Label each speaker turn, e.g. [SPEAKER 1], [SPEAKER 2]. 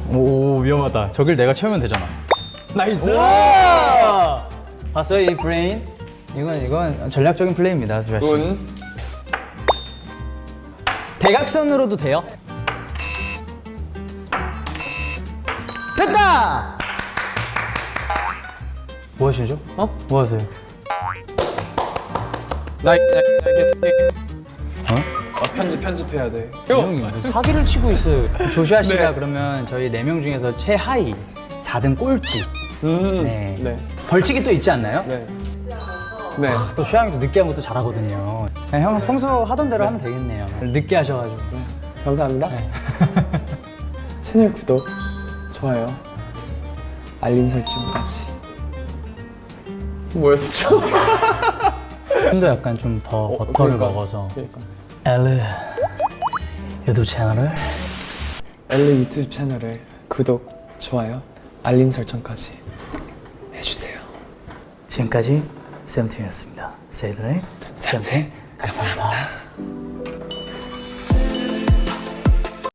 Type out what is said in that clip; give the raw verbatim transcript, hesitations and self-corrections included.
[SPEAKER 1] 오, 위험하다. 저길 내가 채우면 되잖아.
[SPEAKER 2] 나이스!
[SPEAKER 1] 봤어요 이 브레인? 이건 이건 전략적인 플레이입니다, 수빈 씨.
[SPEAKER 2] 운.
[SPEAKER 1] 대각선으로도 돼요. 됐다! 뭐 하시죠? 어? 뭐 하세요?
[SPEAKER 2] 나, 나, 나,
[SPEAKER 1] 어?
[SPEAKER 2] 어, 편집, 편집해야 돼.
[SPEAKER 1] 형이 무슨 사기를 치고 있어요. 조슈아 씨가 그러면 저희 네 명 중에서 최하위 사 등 꼴찌.
[SPEAKER 2] 음.
[SPEAKER 1] 네.
[SPEAKER 2] 네.
[SPEAKER 1] 벌칙이 또 있지 않나요?
[SPEAKER 2] 네. 네.
[SPEAKER 1] 또 슈양이도 늦게 한 것도 잘하거든요. 그냥 형은 평소 하던 대로 하면 되겠네요. 늦게 하셔가지고.
[SPEAKER 2] 감사합니다.
[SPEAKER 1] 네.
[SPEAKER 2] 채널 구독, 좋아요, 알림 설정까지. 뭐였었죠?
[SPEAKER 1] 좀더 약간 좀 더 버터를
[SPEAKER 2] 그러니까.
[SPEAKER 1] 먹어서.
[SPEAKER 2] 그러니까.
[SPEAKER 1] 엘르 유튜브 채널을
[SPEAKER 2] 엘리 유튜브 채널을 구독, 좋아요, 알림 설정까지 해주세요.
[SPEAKER 1] 지금까지 세븐틴이었습니다. 세븐틴 세븐틴 감사합니다.